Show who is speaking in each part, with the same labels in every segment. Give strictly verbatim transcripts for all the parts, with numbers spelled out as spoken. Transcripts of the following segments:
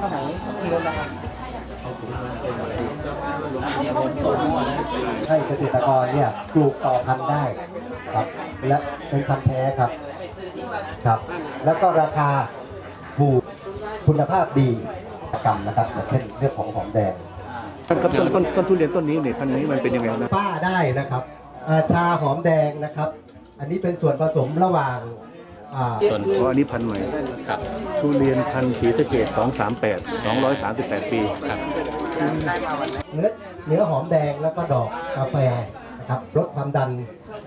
Speaker 1: สมัยที่รถนะครับ
Speaker 2: ให้เกษตรกรเนี่ยปลูกต่อพันธุ์ได้ครับและเป็นพันธุ์แท้ครับครับแล้วก็ราคาถูกคุณภาพดีกรรมนะครับอย่างเช่นเรื่องของหอมแดง
Speaker 3: ต้นต้นต้นต้นทุเรียนต้นนี้เนี่ยพันธุ์นี้มันเป็นยังไงนะ
Speaker 2: ป้าได้นะครับชาหอมแดงนะครับอันนี้เป็นส่วนผสมระหว่าง
Speaker 3: ต้นเพราะอันนี้พันธุ์ใหม่ครับทุเรียนพันธุ์ศรีสะเกษสองสามแปดสองร้อยสามสิบแปดปีครับ
Speaker 2: เนื้อเนื้อหอมแดงแล้วก็ดอกกาแฟนะครับลดความดัน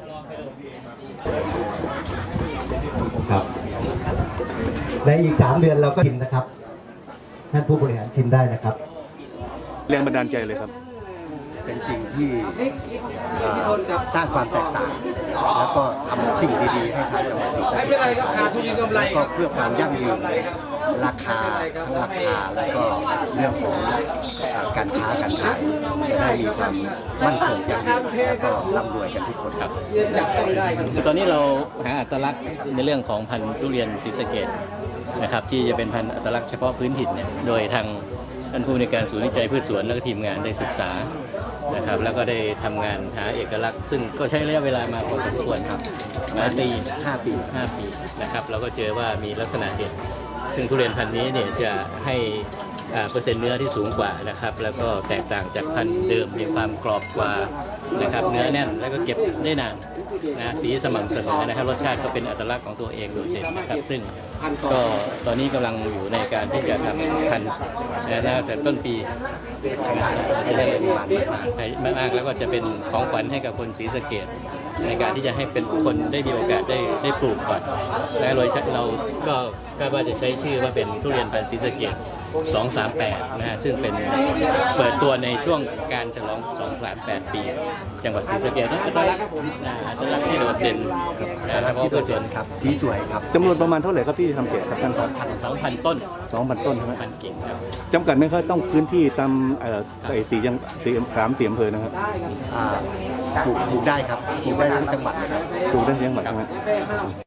Speaker 2: ครับในอีกสามเดือนเราก็ชิมนะครับท่านผู้บริหารชิมได้นะครับ
Speaker 3: แรงบันดาลใจเลยครับ
Speaker 4: เป็นสิ่งที่สร้างความแตกต่างแล้วก็ทำสิ่งดีๆให้ชาวจังหวัดศรีสะเกษแล้วก็เพื่อความยั่งยืนราคาทั้งราคาแล้วก็เรื่องของการค้าการขายจะได้มีความมั่นคงยั่งยืนแล้วก็ร่ำรวยกันทุกคนครับ
Speaker 5: คือตอนนี้เราหาอัตลักษณ์ในเรื่องของพันธุ์ทุเรียนศรีสะเกษนะครับที่จะเป็นพันธุ์อัตลักษณ์เฉพาะพื้นถิ่นเนี่ยโดยทางท่านผู้ในการศูนย์วิจัยพืชสวนและก็ทีมงานได้ศึกษานะครับแล้วก็ได้ทำงานหาเอกลักษณ์ซึ่งก็ใช้ระยะเวลามาพอสมควรครับมาปี
Speaker 4: ห้าปี
Speaker 5: ห้าปีนะครับเราก็เจอว่ามีลักษณะเด่นซึ่งทุเรียนพันธุ์นี้เนี่ยจะให้เปอร์เซ็นต์เนื้อที่สูงกว่านะครับแล้วก็แตกต่างจากพันธุ์เดิมมีความกรอบกว่านะครับเนื้อแน่นแล้วก็เก็บได้นานนะสีสม่ำเสมอนะครับรสชาติก็เป็นอัตลักษณ์ของตัวเองโดดเด่นนะครับซึ่งก็ตอนนี้กำลังอยู่ในการที่จะทำพันธุ์นะแต่ต้นปีจะได้มากแล้วก็จะเป็นของขวัญให้กับคนศรีสะเกษในการที่จะให้เป็นคนได้มีโอกาสได้ได้ปลูกก่อนและโดยเราก็คาดว่าจะใช้ชื่อว่าเป็นทุเรียนพันธุ์ศรีสะเกษสองสามแปดนะฮะซึ่งเป็นเปิดตัวในช่วงการฉลองสองสามแปดปีจังหวัดศรีสะเกษนั่นก็ได้อัตลักษณ์ที่โดดเด่นนะครับเพราะเป็นส่วน
Speaker 4: ครับสีสวยครับ
Speaker 3: จำนวนประมาณเท่าไหร่ครับที่ทำแจกครับท่าน
Speaker 5: สองพันสองพันต้น
Speaker 3: สองพันต้นใช่ไหม
Speaker 5: พันกิ่งครับ
Speaker 3: จำกัดไหมครับต้องพื้นที่ตามไอ้สี่ยังสี่สามสี่อำเภอนะครับ
Speaker 4: ปลูกได้ครับปลูกได้ทั้งจังหวัดนะครับ
Speaker 3: ปลูกได้ทั้งจังหวัดใช่ไหม